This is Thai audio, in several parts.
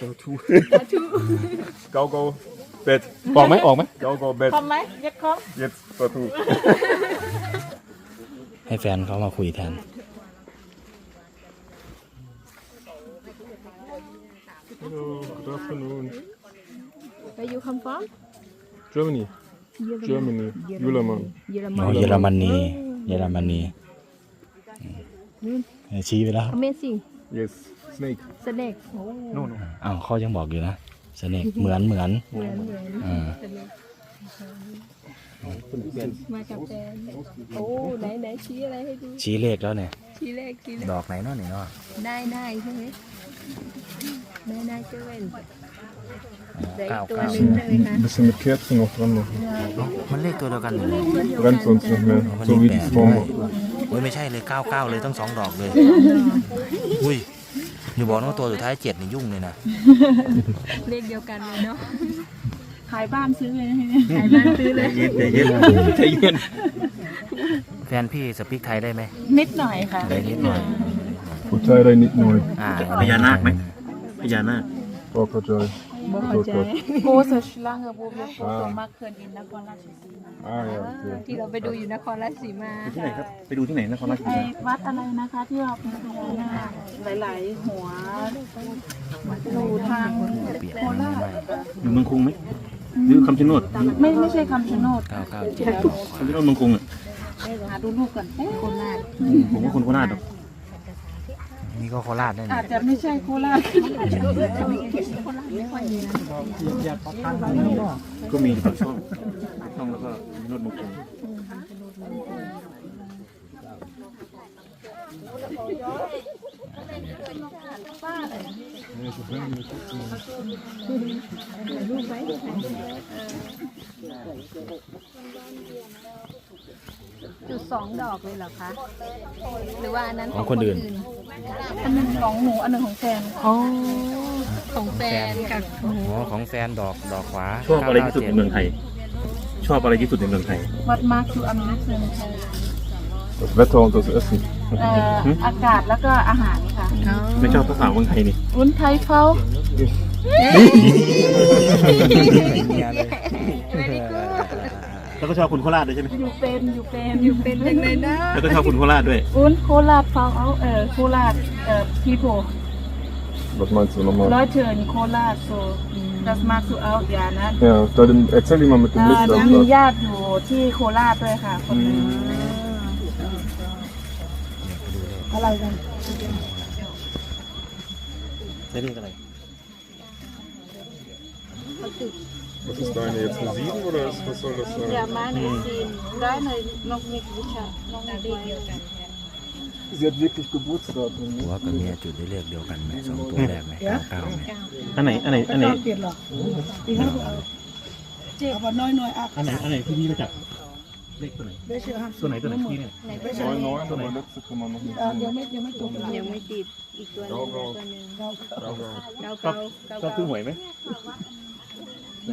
ทูเกาเบ็ดออกไหมออกไหมเกาเบ็ดคอมไหมยัดคอมเย็ดตัวทูให้แฟนเขามาคุยแทน Hello, good afternoon. Where you come from Germany. Germany. Jülermann. อ๋อเยอรมนีเยอรมนีชี้ไปแล้ว Amazing Yes. Snake. Snake No, no. อ้าวเขายังบอกอยู่นะสเนกเหมือนอ่ามากับแฟนโอ้ไหนชี้อะไรให้ดูชี้เลขแล้วเนี่ยชี้เลขชี้เลขดอกไหนเนาะเนี่ยเนาะได้ใช่ไหมได้เจ้าเว้นเด็กเก้าตัวเก้าหนึ่งได้ไหมคะ Ein bisschen mit Kerzen noch dran machen. มันเลขตัวเดียวกันเลย Brennt sonst nicht mehr. มัน So เล wie ขแป die ด Form. โอ้ยไม่ใช่เลย99เลยต้อง2 ดอกเลยอุ้ยอย่าบอกนะว่าตัวสุดท้าย7นี่ยุ่งเลยนะเลขเดียวกันเลยเนาะขายบ้านซื้อเลยขายบ้านซื้อเลยใจเย็นแฟนพี่สปีกไทยได้ไหมนิดหน่อยค่ะได้นิดหน่อย Potato nicht neu. พญานาคไหมพญานาค Crocodile. บ่เข้าใจโกสชลังกับบูเบียโกโตมาเคินอินนครราชสีมา Ah ja, okay. ที่เราไปดูอยู่นครราชสีมาที่ไหนครับไปดูที่ไหนนครราชสีไอ้มาวัดอะไรนะคะที่เราเป็นพญานาคหลายๆหัวอยู่ทางเปียกโคราชอยู่เมืองกรุงไหมหรือคำชะโนดไม่ใช่คำชะโนด 997 คำชะโนดเมืองกรุงอ่ะหาดูลูกก่อนโคราชผมว่าคนโคราชหรอกนี่ก็โคราชได้อาเนี่ยจจะไม่ใช่โคราชก็มีปากช่องแล้วก็ชะโนดเมืองกรุงจุด2 ดอกเลยเหรอคะหรือว่าอันนั้นของคนอื่นอันหนึ่งของหนูอันหนึ่งของแฟนอ๋อของแฟนกับอ๋อของแฟนดอกขวาชอบอะไรที่สุดในเมืองไทย ชอบอะไรที่สุดในเมืองไทยวัดมาร์คคืออเมริกัน Das Wetter und das Essen. อากาศแล้วก็อาหารค่ะไม่ชอบภาษาเมืองไทยนี่วุ้นไทยเขาแล้วก็ชอบคนโคราชด้วยใช่ไหมอยู่เป็นเป็นยังไงนะแล้วก็ชอบคนโคราชด้วยวุ้นโคราชเขาโคราชpeople Was meinst du nochmal? Leute in Kolat so das magst du auch ja นะ Ja, dann erzähl die mal mit dem มี Licht. ญาติอยู่ที่โคราชด้วยค่ะคนนึงอะไรกันได้เรียกอะไร Was ist deine jetzt eine 7 oder was soll das อย่า sein? มาในซีนได้ในนกมิกวิชาน้องนาดีเดียวกัน Sie hat wirklich Geburtsdatum. หัวกับเมียจุดได้เลขเดียวกันไหม2 ตัวแรกไหม99ไหมอันไหนเปลี่ยนหรอเอาน้อยน้อยอ่ะอันไหนที่พี่รู้จักเลขตัวไหนตัวไหนพี่เนี่ย 9, aber letzte kann man noch nicht ยัง sehen. ไม่ตรงยังไม่ติดอีกตัวหนึงตัวหนึง Grau. ชอบซื้อหวยไหมไหน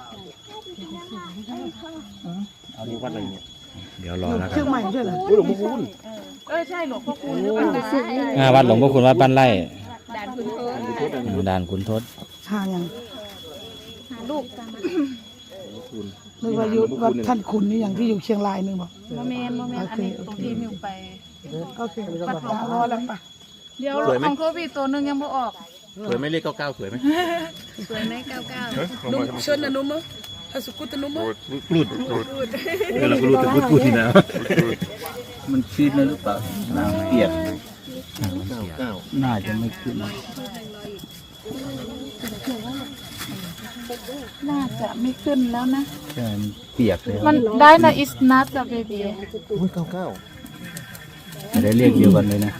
เอาดีวัดอะไรเนี่ยเดี๋ยวรอแล้วกันใหม่ใช่เหรอหลวงพ่อคูณใช่หลวงพ่อคูณหรือเปล่าวัดหลวงพ่อคุณวัดบ้านไร่ด่านคุณโทษด่านขุนทศหายังหาลูกตามมานึกว่าอยู่วัดท่านคุณนี่อย่างที่อยู่เชียงรายนึงบอกโมเมนต์อันนี้ตรงที่มิวไปโอเควัดหลวงพ่อแล้วปะเดี๋ยวของโควิดตัวนึงยังไม่ออกสวยไหมเลข99สวยไหมสวยไหม99 Nochmal. ชนอนุมะฮัสุกุตนุมะรูดเราก็รู้แต่พูดที่นะมันชีดแล้วหรือเปล่าน้ำเปียก99น่าจะไม่ขึ้นน่าจะไม่ขึ้นแล้วนะใช่มันเปียกเลยมันได้นะ is not the baby อุ้ยได้เรียกเดียวกันเลยนะ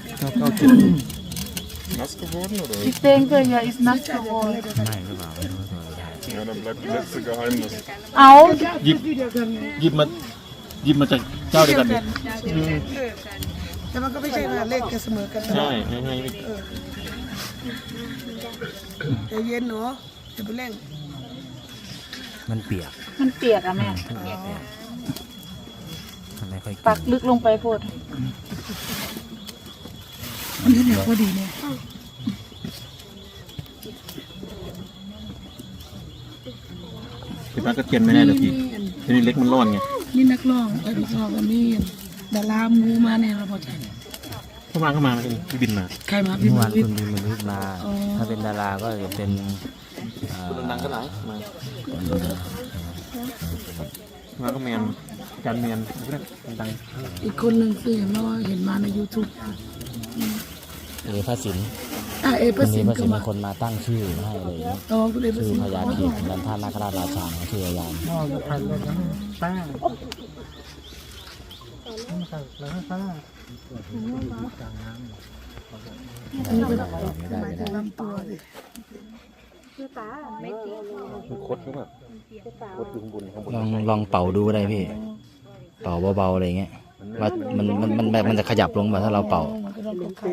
Nass geworden oder? ich denke ja is not geworden ไม่หรือเปล่าไม่รู้ตัว Ja, dann bleibt das letzte Geheimnis. เอาหยิบมาจากเจ้าเดียวกันเลยแต่มันก็ไม่ใช่ว่าเลขจะเสมอกันใช่ไม่ใจเย็นเนาะอย่าไปเร่งมันเปียกมันเปียกอะแม่มันไม่ค่อยปักลึกลงไปโพดอันนี้เนี่ยพอดีเนี่ยพี่ป้าก็เทียนไม่ได้เลยพี่ทีนี้เล็กมันร้อนไงนี่นักร้องนักร้องก็มีดารามูมาเนี่ยเราพอใจเข้ามาแล้วพี่บินมาใครมาพี่เมื่อมาวานวิทคุณย์บินบรรลุมาอ๋อถ้าเป็นดาราก็จะเป็นคนดังก็หลายมาก็แมนจานแมนดังอีกคนหนึ่งคือเห็นว่าเห็นมาใน YouTube พระสินเอคประนสินี้นพระก็สินมาเป็นคนมาตั้งชื่อให้อะไรอย่างเงี้ยอ๋อคุณเอประชื่อสินพญาธีนันทานาคราชราชาชื่อพญาน ไม่ได้ลำตัวดิๆคดก็แบบคดอยู่ข้างบนข้างบนลองเป่าดูก็ได้พี่ เป่าเบาๆอะไรเงี้ยว่ามันจะขยับลงแบบถ้าเราเป่ามันก็ต้องกดไข่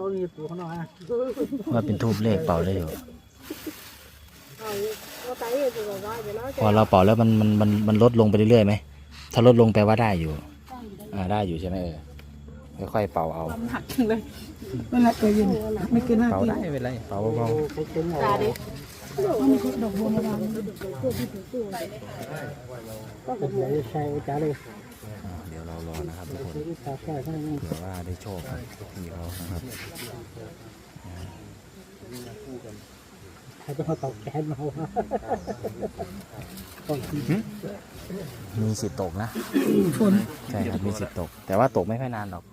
ว่าเป็นทูบเลขเป่าได้อยู่พอเราเป่าแล้วมันลดลงไปเรื่อยๆไหมถ้าลดลงแปลว่าได้อยู่ได้อยู่ใช่ไหมค่อยๆเป่าเอานั่นแหละตัวเย็นไม่เกิน5 เป่าทีได้ไม่เป็นไรเป่าเบาดอกบัวมาวางๆเดี๋ยวเรารอนะครับทุกคนเผื่อว่าได้โชคกับพี่เขานะครับมีสิทธิ์ตกนะฝนใช่ครับมีสิทธิ์ตก แต่ว่าตกไม่ค่อยนานหรอก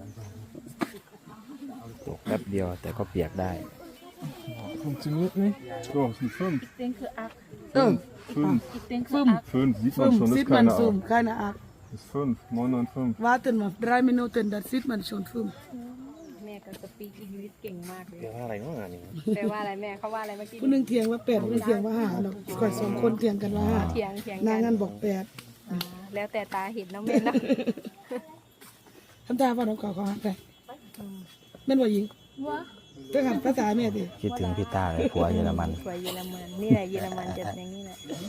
ตกแป๊บเดียวแต่ก็เปียกได้ Funktioniert nicht. So, es sind 5. Ich denke 8. 5. Ich denke ฟึ่ม 5 sieht ฟึ่ man ม schon, ซิด ist มัน keine ซุ่ม Ahnung. keine Ahnung Ist 5, 995. warten wir 3 Minuten dann sieht man schon ฟึ่มแม่ก็สปีกอังกฤษเก่งมากเลยเดี๋ยวอะไรเนาะนี่แปลว่าอะไรแม่เขาว่าอะไรเมื่อกี้ผู้หนึงเถียงว่า8ผู้หนึงเถียงว่า5เนาะก่อน2คนเถียงกันว่า5 เถียงนางกังั้นบอก8 แล้วแต่ตาเห็นน้องแม่นะทำตาว่าน้องเก่าเขาหักไปแม่นบ่หญิงไปหันภาษาแม่ดิคิดถึงพี่ต้าเลยผัวเยอรมันสวยเยอรมันนี่แหละเยอรมันจะอย่างนี้แหละ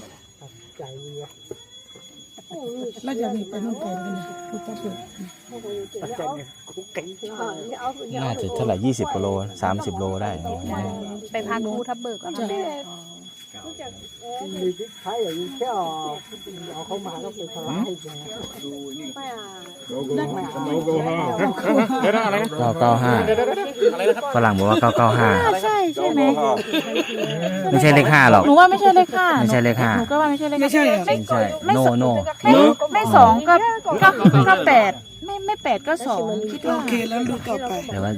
แล้วจะมีไปนู่นไปกันนะพุทธเปิดน่าจะเท่าไหร่20กว่าโล30 โลได้ไปพักภูทับเบิกก่อนแม่ 995ฝรั่งบอกว่า995 ใช่ใช่ไหมไม่ใช่เลข5หรอกหนูว่าไม่ใช่เลข5 ไม่ใช่เลขหนูก็ว่าไม่ใช่เลขไม่ใช่เหรอ 5ไม่ใช่โนไม่2ก็8ไม่8ก็2คิดว่าโอเคแล้วดูต่อไปแต่ว่า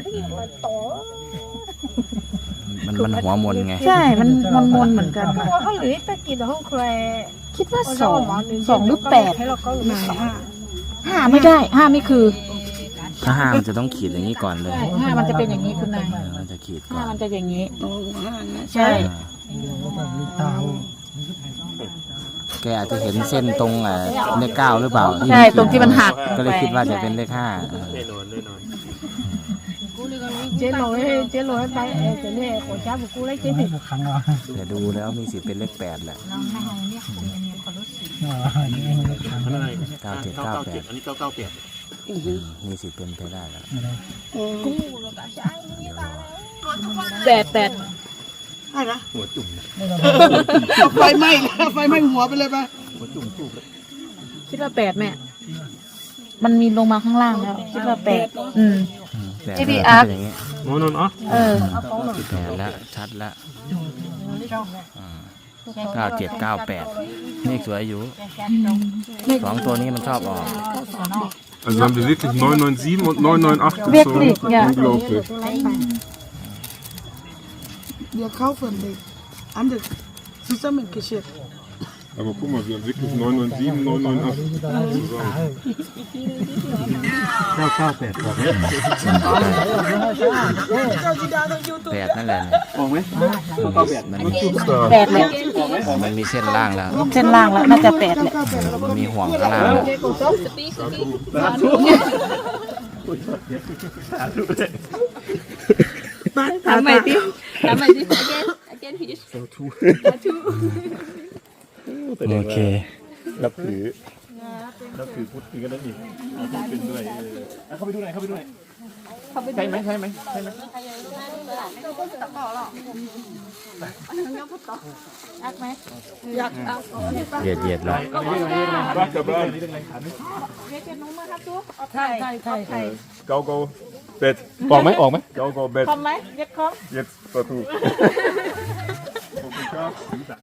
มันหัวมนไงใช่มันมนเหมือนกันเขาหรือตะกี้ห้องแคร์คิดว่า2หรือ8 ให้เราก็ไหน5 5ไม่ได้5ไม่คือถ้า5มันจะต้องขีดอย่างนี้ก่อนเลย 5มันจะเป็นอย่างนี้คุณนายมันจะขีดก่อน 5มันจะอย่างนี้โอ้5นะใช่แกอาจจะเห็นเส้นตรงเลข9หรือเปล่าใช่ตรงที่มันหักก็เลยคิดว่าจะเป็นเลข5 chế lỗi bay cái này của cha của cô lấy chế thì แต่ดูแล้วมีสิทธิ์เป็นเลข8แหละ9798 อันนี้998 มีสิทธิ์เป็นไปได้แล้ว 8 หัวจุ่มไฟไหม้แล้วไฟไหม้หัวไปเลยป่ะหัวจุ่มจุ่มคิดว่า8แม่มันมีลงมาข้างล่างแล้วคิดว่า8 8 ที่พี่อาร์ตเป็นอย่างนี้เออ 8แล้วชัดแล้ว9798เลขสวยอยู่2ตัวนี้มันชอบออก Also haben wir wirklich 997 und 998 Wirklich, gezogen. ja. Unglaublich. เดี๋ยวเข้าฝนเลยอันเด็กซิสเตอร์มันกิเชต Aber guck mal, wir haben wirklich 997, 998 zusammen. 998บอกไหม 8นั่นแหละบอกไหมมัน 8เลยมันมีเส้นล่างแล้วเส้นล่างแล้วน่าจะ8แหละมันมีห่วงข้างล่างแล้วทำไมดิagain please โอเครับถือพุทธก็ได้อีกเอาพุทธเป็นด้วยเข้าไปดูหน่อยใช่ไหมใช่ไหมอักไหมอยากเอาเหยียดแล้วรักกับบ้านเรียกเจนุ้งมาครับทุกไทยเกาเป็ดออกไหมออกไหมเกาเป็ดคอมไหมเรียกคอมเย็ดประตูขอบคุณครับ